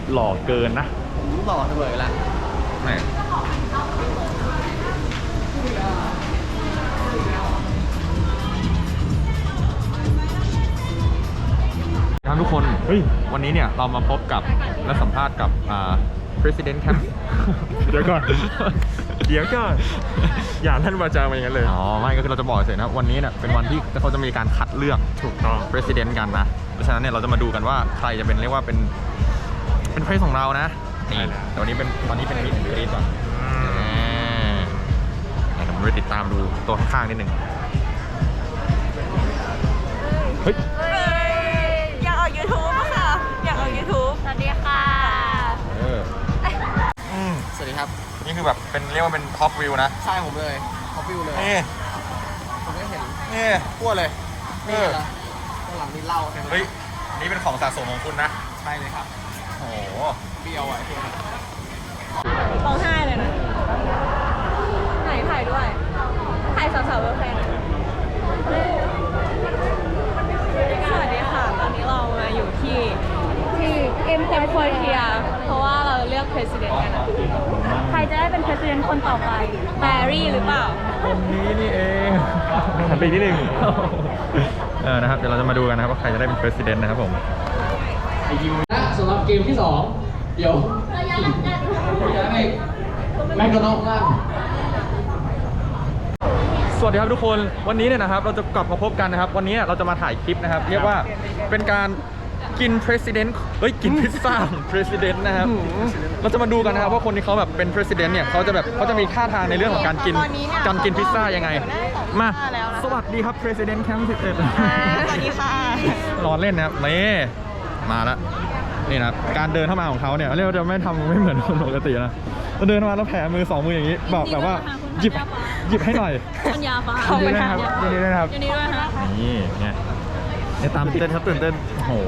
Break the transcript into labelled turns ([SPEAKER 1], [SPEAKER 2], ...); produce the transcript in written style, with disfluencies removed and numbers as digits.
[SPEAKER 1] หล่อเกินนะ
[SPEAKER 2] ผมหล่อเสมอละ
[SPEAKER 1] แหมครับทุกคนเฮ้ยวันนี้เนี่ยเรามาพบกับและสัมภาษณ์กับPresident ครับ
[SPEAKER 3] เดี๋ยวก่อน เดี๋ยวก่อน อย่าท่านวาจามาอย่างนั้นเลย
[SPEAKER 1] อ๋อไม่ก็คือเราจะบอกเฉยๆนะวันนี้เนี่ยเป็นวันที่เขาจะมีการคัดเลือก
[SPEAKER 3] ถูกต้อง
[SPEAKER 1] President กันนะเพราะฉะนั้นเนี่ยเราจะมาดูกันว่าใครจะเป็นเรียกว่าเป็นเพรสของเรานะนี่แต่วันนี้เป็นตอนนี้เป็นมิดกรีดก่อนเดี๋ยวผมไปติดตามดูตัวข้างๆนิดนึงเฮ้ย
[SPEAKER 4] อยากออก YouTube อะค่ะ อยากออก YouTube สวัสดีค่ะ
[SPEAKER 2] สวัสดีครับ
[SPEAKER 1] นี่คือแบบเป็นเรียกว่าเป็นท็อปวิวนะ
[SPEAKER 2] ใช่ผมเลยท็อปวิวเลย
[SPEAKER 1] นี่
[SPEAKER 2] ผมไม่เห็น
[SPEAKER 1] นี่ขั้วเลย
[SPEAKER 2] นี่เหรอข้างหลังนี่เหล่าใช่ไหม
[SPEAKER 1] เฮ้ยนี่เป็นของสะสมของคุณนะ
[SPEAKER 2] ใช่เลยครับ
[SPEAKER 1] โอ้โห
[SPEAKER 2] เบียวอ่ะ
[SPEAKER 4] ร้องไห้เลยนะ ไหนถ่ายด้วย ถ่ายสาวๆเวอร์แฟนสวัสดีค่ะ ตอนนี้เรามาอยู่ที่เอ็มโคเทียเพราะว่าเราเลือก president กันนะใครจะได้เป็น president คนต่อไปแบรี่หรือเปล่า
[SPEAKER 1] คนนี้นี่เองหันไปอีกนิดนึงนะครับเดี๋ยวเราจะมาดูกันนะครับว่าใครจะได้เป็น president นะครับผม
[SPEAKER 2] นะสำหรับเกมที่ 2 เดี๋ยวจะให้แม็กโดนัลด์นั่ง
[SPEAKER 1] สวัสดีครับทุกคนวันนี้เนี่ยนะครับเราจะกลับมาพบกันนะครับวันนี้เราจะมาถ่ายคลิปนะครับเรียกว่าเป็นการกิน president เฮ้ยกินพิซซ่า president นะครับเราจะมาดูกันนะครับว่าคนที่เขาแบบเป็น president เนี่ยเขาจะมีท่าทางในเรื่องของการกินพิซซ่ายังไงมาสวัสดีครับ president แคมป์11
[SPEAKER 4] สวัสดีค่ะ
[SPEAKER 1] นอนเล่นนะครับนี่มาแล้วนี่นะครับการเดินเข้ามาของเขาเนี่ยเรียกว่าจะไม่ทำไม่เหมือนคนปกตินะเราเดินมาแล้วแผลมือ2มืออย่างนี้แบบว่าหยิบให้หน่อย
[SPEAKER 4] ปัญญาฟ้า
[SPEAKER 1] ยินดีด้วยนะครับยินดีด้วยนะครับ
[SPEAKER 4] ยินดีด้วยฮะ
[SPEAKER 1] นี่ไงเนี่ยตามตื่นเต้นครับตื่นเต้นโอ้โห